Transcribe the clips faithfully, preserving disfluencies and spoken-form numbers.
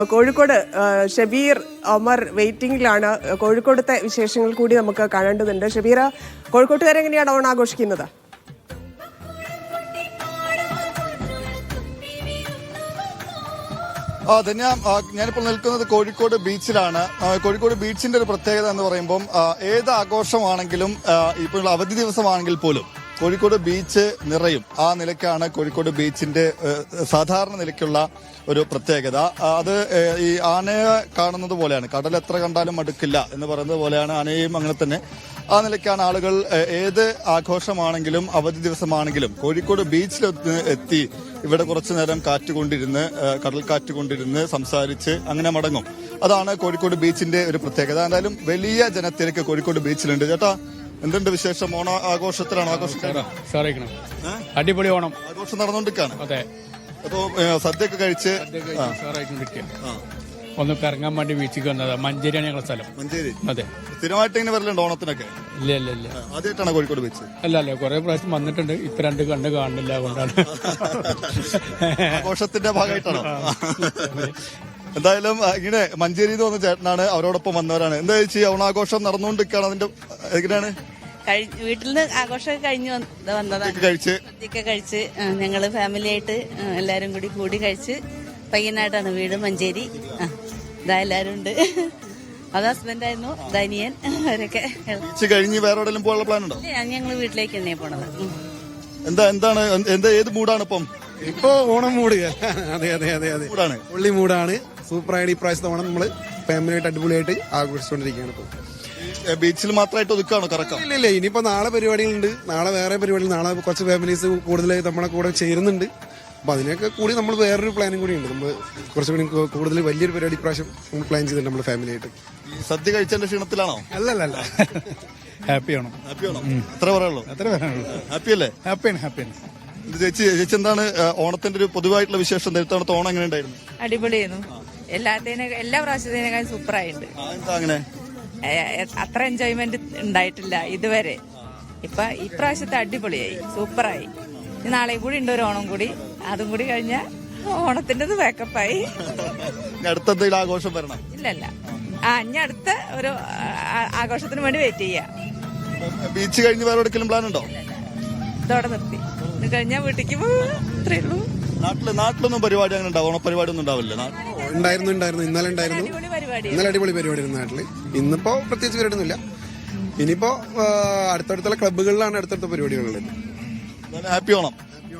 കോഴിക്കോട് ഷബീർ ഒമർ വെയിറ്റിംഗിലാണ്. കോഴിക്കോടത്തെ വിശേഷങ്ങൾ കൂടി നമുക്ക് കാണേണ്ടതുണ്ട്. ഷബീർ, കോഴിക്കോട്ടുകാരെങ്ങനെയാണ് ഓണം ആഘോഷിക്കുന്നത്? ആ ധന്യ, ഞാനിപ്പോൾ നിൽക്കുന്നത് കോഴിക്കോട് ബീച്ചിലാണ്. കോഴിക്കോട് ബീച്ചിന്റെ ഒരു പ്രത്യേകത എന്ന് പറയുമ്പോൾ ഏത് ആഘോഷമാണെങ്കിലും ഇപ്പോൾ അവധി ദിവസമാണെങ്കിൽ പോലും കോഴിക്കോട് ബീച്ച് നിറയും. ആ നിലയ്ക്കാണ് കോഴിക്കോട് ബീച്ചിന്റെ സാധാരണ നിലയ്ക്കുള്ള ഒരു പ്രത്യേകത. അത് ഈ ആനയെ കാണുന്നത് പോലെയാണ്. കടൽ എത്ര കണ്ടാലും മടുക്കില്ല എന്ന് പറയുന്നത് പോലെയാണ് ആനയും അങ്ങനെ തന്നെ. ആ നിലയ്ക്കാണ് ആളുകൾ ഏത് ആഘോഷമാണെങ്കിലും അവധി ദിവസമാണെങ്കിലും കോഴിക്കോട് ബീച്ചിൽ എത്തി ഇവിടെ കുറച്ചു നേരം കാറ്റുകൊണ്ടിരുന്ന് കടൽ കാറ്റുകൊണ്ടിരുന്ന് സംസാരിച്ച് അങ്ങനെ മടങ്ങും. അതാണ് കോഴിക്കോട് ബീച്ചിന്റെ ഒരു പ്രത്യേകത. എന്തായാലും വലിയ ജനത്തിരക്ക് കോഴിക്കോട് ബീച്ചിലുണ്ട്. ചേട്ടാ, എന്തുണ്ട് വിശേഷം? ഓണ ആഘോഷത്തിലാണ് ആഘോഷിക്കാണ്. അടിപൊളി ഓണം ആഘോഷം നടന്നുകൊണ്ടിരിക്കാണ്. അതെ. അപ്പോ സദ്യയൊക്കെ കഴിച്ച് ഒന്ന് കറങ്ങാൻ വേണ്ടി ബീച്ചിൽ വന്നതാ. മഞ്ചേരിയാണ് ഞങ്ങളുടെ സ്ഥലം. മഞ്ചേരി. അതെ. സ്ഥിരമായിട്ട് ഇങ്ങനെ വരലുണ്ട് ഓണത്തിനൊക്കെ? ഇല്ല ഇല്ല ഇല്ല ആദ്യമായിട്ടാണ് കോഴിക്കോട് ബീച്ച്? അല്ല അല്ല കുറെ പ്രാവശ്യം വന്നിട്ടുണ്ട്. ഇപ്പൊ രണ്ട് കണ്ട് കാണുന്നില്ല, അതുകൊണ്ടാണ്. ആഘോഷത്തിന്റെ ഭാഗമായിട്ടാണോ? എന്തായാലും ഇങ്ങനെ മഞ്ചേരി എന്ന് പറഞ്ഞ ചേട്ടനാണ്, അവരോടൊപ്പം വന്നവരാണ്. എന്താ ചേച്ചി, ഓണാഘോഷം നടന്നുകൊണ്ടിരിക്കുകയാണ്. അതിന്റെ എങ്ങനെയാണ്? വീട്ടിൽ നിന്ന് ആഘോഷമൊക്കെ കഴിഞ്ഞ് വന്നതാണ്. കഴിച്ച് സദ്യയൊക്കെ കഴിച്ച് ഞങ്ങള് ഫാമിലി ആയിട്ട് എല്ലാരും കൂടി കൂടി കഴിച്ച് പയ്യനായിട്ടാണ് വീട്, മഞ്ചേരി. ഇതാ എല്ലാരും ഉണ്ട്. അത് ഹസ്ബൻഡായിരുന്നു, ദനിയൻ, അവരൊക്കെ. കഴിഞ്ഞ് വേറെ എവിടെയെങ്കിലും പോകാനുള്ള പ്ലാൻ ഉണ്ടോ? ഞങ്ങള് വീട്ടിലേക്ക് തന്നെ പോണത്. എന്താ എന്താണ് എന്താ ഏത് മൂഡാണ് ഇപ്പം? ഇപ്പൊ ഓണം മൂഡ്. അതെ അതെ അതെ അതെ മൂഡാണ്, പുള്ളി മൂഡാണ്. സൂപ്പറായിട്ട് ഈ പ്രാവശ്യത്തെ ഓണം നമ്മള് ഫാമിലിയായിട്ട് അടിപൊളിയായിട്ട് ആഘോഷിച്ചുകൊണ്ടിരിക്കുകയാണ്. ഇപ്പൊ ബീച്ചിൽ മാത്രമായിട്ട് ഒതുക്കാണോ കറക്കം? ഇല്ല ഇല്ല ഇനിയിപ്പോ നാളെ പരിപാടികളുണ്ട്. നാളെ വേറെ പരിപാടികൾ. നാളെ കുറച്ച് ഫാമിലീസ് കൂടുതൽ നമ്മളെ കൂടെ ചേരുന്നുണ്ട്. അപ്പൊ അതിനൊക്കെ കൂടി നമ്മൾ വേറൊരു പ്ലാനും കൂടി ഉണ്ട്. നമ്മൾ കുറച്ചുകൂടി കൂടുതൽ വലിയൊരു പരിപാടി പ്രാവശ്യം നമ്മൾ പ്ലാൻ ചെയ്തിട്ടുണ്ട് നമ്മുടെ ഫാമിലി ആയിട്ട്. സദ്യ കഴിച്ചതിന്റെ ക്ഷീണത്തിലാണോ? അല്ലല്ല, ഹാപ്പിയാണോ? ഹാപ്പിയാണോ? എത്ര പറയാനുള്ളൂ? എത്ര പറയാനുള്ളൂ? ഹാപ്പി അല്ലേ? ഹാപ്പിയാണ് ഹാപ്പിയാണ്. ചേച്ചി ചേച്ചി എന്താണ് ഓണത്തിന്റെ ഒരു പൊതുവായിട്ടുള്ള വിശേഷം? നേരത്തെ ഓണം എങ്ങനെ ഉണ്ടായിരുന്നു? അടിപൊളിയായിരുന്നു. എല്ലാത്തിനെ എല്ലാ പ്രാവശ്യത്തിനേക്കാൾ സൂപ്പറായിട്ടുണ്ട്. എന്താ അങ്ങനെ? അത്ര എൻജോയ്മെന്റ് ഉണ്ടായിട്ടില്ല ഇതുവരെ. ഇപ്പൊ ഇപ്രാവശ്യത്തെ അടിപൊളിയായി, സൂപ്പറായി. നാളെയും കൂടി ഉണ്ട് ഒരു ഓണം കൂടി. അതും കൂടി കഴിഞ്ഞാൽ ഓണത്തിന്റെ ബാക്കപ്പായി. അടുത്ത എന്തെങ്കിലും ആഘോഷം വരണം? ഇല്ലല്ല, ആ ഇനി അടുത്ത ഒരു ആഘോഷത്തിന് വേണ്ടി വെയിറ്റ് ചെയ്യാം. ബീച്ച് കഴിഞ്ഞ് വേറെ എവിടെയെങ്കിലും പ്ലാൻ ഉണ്ടോ? ഇതോടെ നിർത്തി. ഇത് കഴിഞ്ഞാൽ വീട്ടിലേക്ക് പോകും. അത്രേ ഉള്ളൂ. നാട്ടില് നാട്ടിലൊന്നും പരിപാടി അങ്ങനെ ഉണ്ടാവും? ഓണപരിപാടി ഒന്നും ഉണ്ടാവില്ല? ഉണ്ടായിരുന്നു ഉണ്ടായിരുന്നു ഇന്നലെ ഉണ്ടായിരുന്നു. ഇന്നലെ അടിപൊളി പരിപാടി നാട്ടില്. ഇന്നിപ്പോ പ്രത്യേകിച്ച് പരിപാടിയൊന്നുമില്ല. ഇനിയിപ്പോ അടുത്തടുത്തുള്ള ക്ലബ്ബുകളിലാണ് അടുത്തടുത്ത പരിപാടികളുള്ളത്. ഹാപ്പി ഓണം.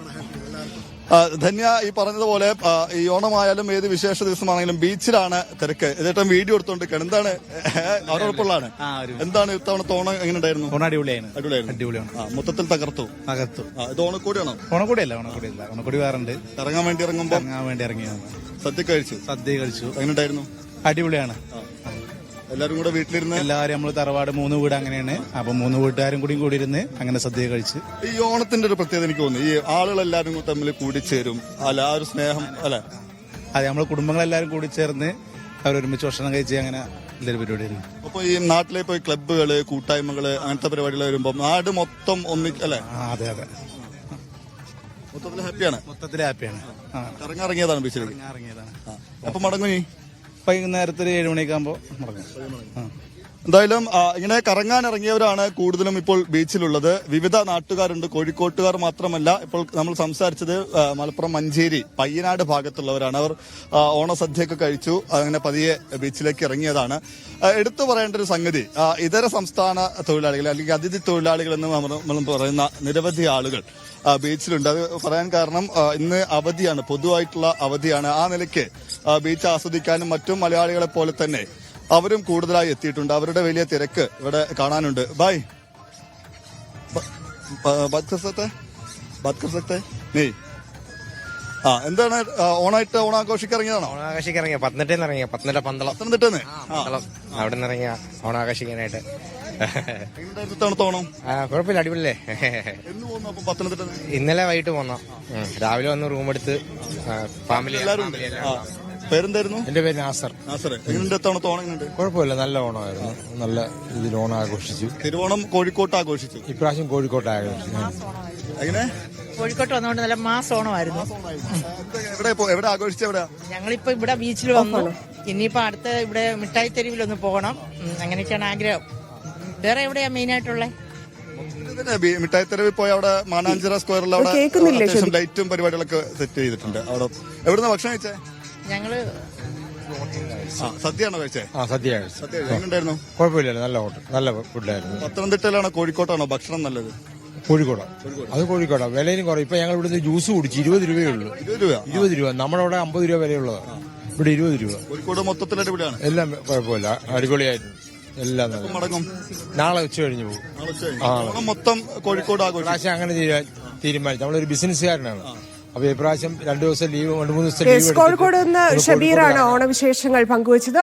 ധന്യ ഈ പറഞ്ഞതുപോലെ ഈ ഓണമായാലും ഏത് വിശേഷ ദിവസമാണെങ്കിലും ബീച്ചിലാണ് തിരക്ക്. ചേട്ടൻ വീഡിയോ എടുത്തോണ്ടിരിക്കുകയാണ്. എന്താണ് അവരോടൊപ്പമുള്ളതാണ്? എന്താണ് ഇത്തവണത്തെ ഓണം എങ്ങനെ ഉണ്ടായിരുന്നു? അടിപൊളിയായിരുന്നു. അടിപൊളിയായിരുന്നു. മൊത്തത്തിൽ തകർത്തു തകർത്തു. ഇത് ഓണക്കൂടിയാണോ? ഓണക്കൂടിയല്ല ഓണക്കൂടിയല്ല ഓണക്കൂടി വേറുണ്ട്. ഇറങ്ങാൻ വേണ്ടി ഇറങ്ങുമ്പോ ഇറങ്ങാൻ വേണ്ടി ഇറങ്ങി സദ്യ കഴിച്ചു. സദ്യ കഴിച്ചു. എങ്ങനെ ഉണ്ടായിരുന്നു? അടിപൊളിയാണ്. എല്ലാരും കൂടെ വീട്ടിലിരുന്ന് എല്ലാവരും നമ്മള് തറവാട് മൂന്ന് വീട് അങ്ങനെയാണ്. അപ്പൊ മൂന്ന് വീട്ടുകാരും കൂടി കൂടി ഇരുന്ന് അങ്ങനെ സദ്യ കഴിച്ച്. ഈ ഓണത്തിന്റെ ഒരു പ്രത്യേകത എനിക്ക് തോന്നുന്നു, ഈ ആളുകളെല്ലാരും തമ്മിൽ കൂടിച്ചേരും അല്ല, ആ ഒരു സ്നേഹം അല്ലെ? അതെ, നമ്മള് കുടുംബങ്ങളെല്ലാരും കൂടി ചേർന്ന് അവരൊരുമിച്ച് ഭക്ഷണം കഴിച്ച് അങ്ങനെ ഇതൊരു പരിപാടിയായിരുന്നു. അപ്പൊ ഈ നാട്ടിലെ ഇപ്പൊ ക്ലബ്ബുകള്, കൂട്ടായ്മകള്, അങ്ങനത്തെ പരിപാടികൾ വരുമ്പോ നാട് മൊത്തം ഒന്നി അല്ലെ? അതെ അതെ, മൊത്തത്തിൽ ഹാപ്പിയാണ്. മൊത്തത്തിൽ ഹാപ്പിയാണ്. ഇറങ്ങിറങ്ങിയതാണ് ബീച്ചിലേക്ക്. ഇറങ്ങിയതാണ്. അപ്പൊ മടങ്ങും നീ വൈകുന്നേരത്തിൽ ഏഴ് മണിയൊക്കെ ആകുമ്പോ മടങ്ങും. എന്തായാലും ഇങ്ങനെ കറങ്ങാൻ ഇറങ്ങിയവരാണ് കൂടുതലും ഇപ്പോൾ ബീച്ചിലുള്ളത്. വിവിധ നാട്ടുകാരുണ്ട്, കോഴിക്കോട്ടുകാർ മാത്രമല്ല. ഇപ്പോൾ നമ്മൾ സംസാരിച്ചത് മലപ്പുറം മഞ്ചേരി പയ്യനാട് ഭാഗത്തുള്ളവരാണ്. അവർ ഓണസദ്യയൊക്കെ കഴിച്ചു അങ്ങനെ പതിയെ ബീച്ചിലേക്ക് ഇറങ്ങിയതാണ്. എടുത്തു പറയേണ്ട ഒരു സംഗതി, ഇതര സംസ്ഥാന തൊഴിലാളികൾ അല്ലെങ്കിൽ അതിഥി തൊഴിലാളികൾ എന്ന് നമ്മൾ പറയുന്ന നിരവധി ആളുകൾ ബീച്ചിലുണ്ട്. അത് പറയാൻ കാരണം ഇന്ന് അവധിയാണ്, പൊതുവായിട്ടുള്ള അവധിയാണ്. ആ നിലയ്ക്ക് ബീച്ച് ആസ്വദിക്കാനും മറ്റും മലയാളികളെ പോലെ തന്നെ അവരും കൂടുതലായി എത്തിയിട്ടുണ്ട്. അവരുടെ വലിയ തിരക്ക് ഇവിടെ കാണാനുണ്ട്. ബൈ നീ ആ എന്താണ് ഓണായിട്ട് ഓണാഘോഷിക്ക് ഇറങ്ങിയതാണോ? ഓണാഘോഷിക്ക് ഇറങ്ങിയ പത്തനംതിട്ടയിൽ ഇറങ്ങിയ പത്തനംതിട്ട പന്തളം പത്തനംതിട്ടന്ന് അവിടെ നിന്ന് ഇറങ്ങിയ ഓണാഘോഷിക്കാനായിട്ട്. ഓണം കുഴപ്പമില്ല, അടിപൊളിയല്ലേ. പത്തനംതിട്ട ഇന്നലെ വൈകിട്ട് പോന്ന, രാവിലെ വന്ന് റൂം എടുത്ത് ഫാമിലി എല്ലാവരും. പേരെന്തായിരുന്നു? എന്റെ പേര് നാസർ. നാസർ, എങ്ങനെയുണ്ട് ഇത്തവണത്തെ ഓണം? എങ്ങനെയുണ്ട്? കുഴപ്പമില്ല, നല്ല ഓണമായിരുന്നു. നല്ല ഇതിൽ ഓണം ആഘോഷിച്ചു. തിരുവോണം കോഴിക്കോട്ട് ആഘോഷിച്ചു. ഇപ്രാവശ്യം കോഴിക്കോട്ട് ആഘോഷിച്ചു. എങ്ങനെ? കോഴിക്കോട്ട് വന്നുകൊണ്ട് നല്ല മാസ് ഓണമായിരുന്നു. എവിടെ പോ- എവിടെ ആഘോഷിച്ച എവിടെയാ? ഞങ്ങളിപ്പോ ഇവിടെ ബീച്ചിൽ വന്നു. ഇനിയിപ്പോ അടുത്ത ഇവിടെ മിഠായി തെരുവിലൊന്ന് പോകണം. ഉം, അങ്ങനെയൊക്കെയാണ് ആഗ്രഹം. വേറെ എവിടെയാ മെയിൻ ആയിട്ടുള്ളത്? ഇതിന് ബി- മിഠായിത്തെരുവിൽ പോയി അവിടെ മാനാഞ്ചിറ സ്ക്വയറിൽ അവിടെ കേൾക്കുന്നില്ലേ അത്യാവശ്യം ലൈറ്റും പരിപാടികളൊക്കെ സെറ്റ് ചെയ്തിട്ടുണ്ട്. അവിടെ എവിടുന്ന ഭക്ഷണം കഴിച്ചേ? ഞങ്ങള് ആ, സദ്യയാണോ കഴിച്ചേ? ആ സദ്യ സദ്യ എങ്ങനെയുണ്ടായിരുന്നു? കുഴപ്പമില്ല, നല്ല ഹോട്ടൽ, നല്ല ഫുഡായിരുന്നു. പത്തനംതിട്ടയിലാണോ കോഴിക്കോട്ടാണോ ഭക്ഷണം നല്ലത്? കോഴിക്കോട്, അത് കോഴിക്കോടാ. വിലയും കുറയും. ഇപ്പൊ ഞങ്ങൾ ഇവിടുന്ന് ജ്യൂസ് കുടിച്ച് ഇരുപത് രൂപയേ ഉള്ളൂ. ഇരുപത് രൂപ. ഇരുപത് രൂപ. നമ്മുടെ അവിടെ അമ്പത് രൂപ വിലയുള്ളതാണ്, ഇവിടെ ഇരുപത് രൂപ. കോഴിക്കോട് മൊത്തത്തിൽ അടിപൊളിയാണ്. എല്ലാം കുഴപ്പമില്ല, അടിപൊളിയായിരുന്നു. എല്ലാം നല്ല. മടങ്ങും നാളെ ഉച്ച കഴിഞ്ഞ് പോകും. നാളെ ഉച്ച കഴിഞ്ഞ്. ഓണം മൊത്തം കോഴിക്കോട് ആഘോഷം. പ്രാവശ്യം അങ്ങനെ തീരുമാ- തീരുമാനിച്ചു. നമ്മളൊരു ബിസിനസ്സുകാരനാണ്. അപ്പൊ ഇപ്രാവശ്യം രണ്ടു ദിവസം ലീവ്, രണ്ട് മൂന്ന് ദിവസം യെസ്, ലീവ് കോഴിക്കോട് നിന്ന് ഷബീറാണ് ഓണവിശേഷങ്ങൾ പങ്കുവച്ചത്.